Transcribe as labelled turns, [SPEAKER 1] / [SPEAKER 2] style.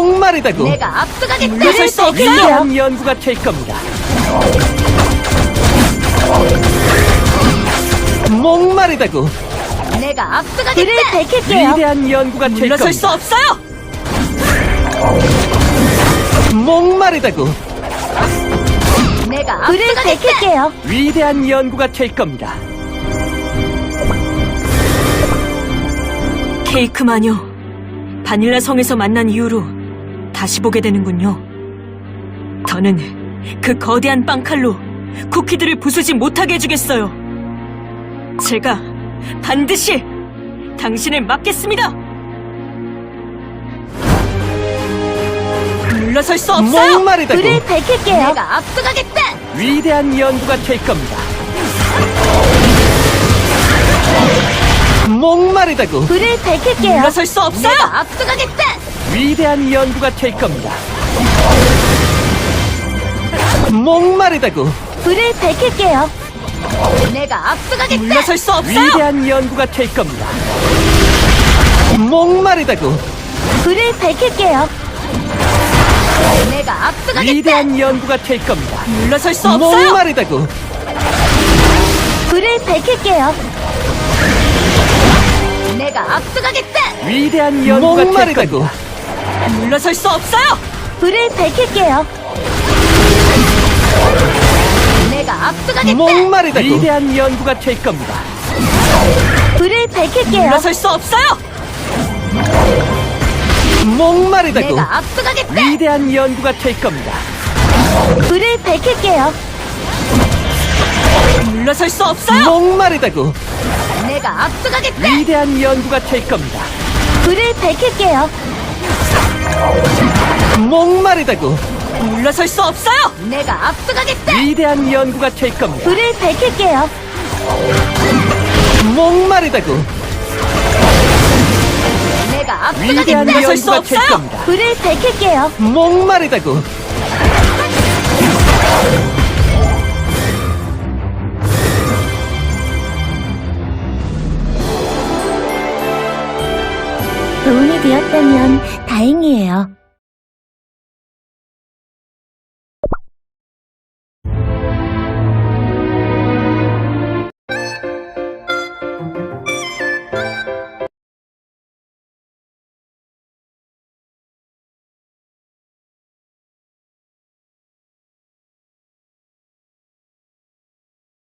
[SPEAKER 1] 목마르다고.
[SPEAKER 2] 내가 압도하겠다.
[SPEAKER 3] 물러설 수 없어요.
[SPEAKER 1] 위대한 연구가 될 겁니다. 목마르다고.
[SPEAKER 2] 내가 압도하겠다.
[SPEAKER 3] 불을 밝힐게요.
[SPEAKER 1] 위대한 연구가 될
[SPEAKER 3] 물러설 수
[SPEAKER 1] 겁니다.
[SPEAKER 3] 없어요.
[SPEAKER 1] 목마르다고.
[SPEAKER 2] 내가
[SPEAKER 3] 불을
[SPEAKER 2] 압도하겠다.
[SPEAKER 3] 밝힐게요.
[SPEAKER 1] 위대한 연구가 될 겁니다.
[SPEAKER 3] 케이크 마녀, 바닐라 성에서 만난 이후로 다시 보게 되는군요. 더는 그 거대한 빵칼로 쿠키들을 부수지 못하게 해주겠어요. 제가 반드시 당신을 막겠습니다. 물러설 수 없어요.
[SPEAKER 1] 목마르다고.
[SPEAKER 3] 불을 밝힐게요.
[SPEAKER 2] 내가 압도하겠다.
[SPEAKER 1] 위대한 연구가 될 겁니다. 목마르다고.
[SPEAKER 3] 불을 밝힐게요. 물러설 수 없어요.
[SPEAKER 2] 내가 압도하겠다.
[SPEAKER 1] 위대한 연구가 될 겁니다. 목마르다고.
[SPEAKER 3] 불을 밝힐게요.
[SPEAKER 2] 내가 압도하겠다.
[SPEAKER 3] 물러설 수 없어요.
[SPEAKER 1] 위대한 연구가 될 겁니다. 목마르다고.
[SPEAKER 3] 불을 밝힐게요.
[SPEAKER 2] 내가 압도하겠다.
[SPEAKER 1] 위대한 연구가 될 겁니다.
[SPEAKER 3] 물러설 수 없어요.
[SPEAKER 1] 목마르다고.
[SPEAKER 3] 불을 밝힐게요.
[SPEAKER 2] 내가 압도하겠다.
[SPEAKER 1] 위대한 연구가 될 목마르다고. 겁니다.
[SPEAKER 3] 물러설 수 없어요. 불을 밝힐게요.
[SPEAKER 2] 내가 압도하겠다.
[SPEAKER 1] 목마르다고. 위대한 연구가 될 겁니다.
[SPEAKER 3] 불을 밝힐게요. 물러설 수 없어요.
[SPEAKER 1] 목마르다고.
[SPEAKER 2] 내가 압도하겠다.
[SPEAKER 1] 위대한 연구가 될 겁니다.
[SPEAKER 3] 불을 밝힐게요. 물러설 수 없어요.
[SPEAKER 1] 목마르다고.
[SPEAKER 2] 내가 압도하겠다.
[SPEAKER 1] 위대한 연구가 될 겁니다.
[SPEAKER 3] 불을 밝힐게요.
[SPEAKER 1] 목마르다고.
[SPEAKER 3] 물러설 수 없어요.
[SPEAKER 2] 내가 압도하겠다.
[SPEAKER 1] 위대한 연구가 될 겁니다.
[SPEAKER 3] 불을 밝힐게요.
[SPEAKER 1] 목마르다고.
[SPEAKER 2] 내가
[SPEAKER 1] 위대한
[SPEAKER 2] 압도하겠다.
[SPEAKER 3] 물러설 수
[SPEAKER 1] 연구가 될
[SPEAKER 3] 없어요.
[SPEAKER 1] 겁니다.
[SPEAKER 3] 불을 밝힐게요.
[SPEAKER 1] 목마르다고.
[SPEAKER 3] 도움이 되었다면 다행이에요.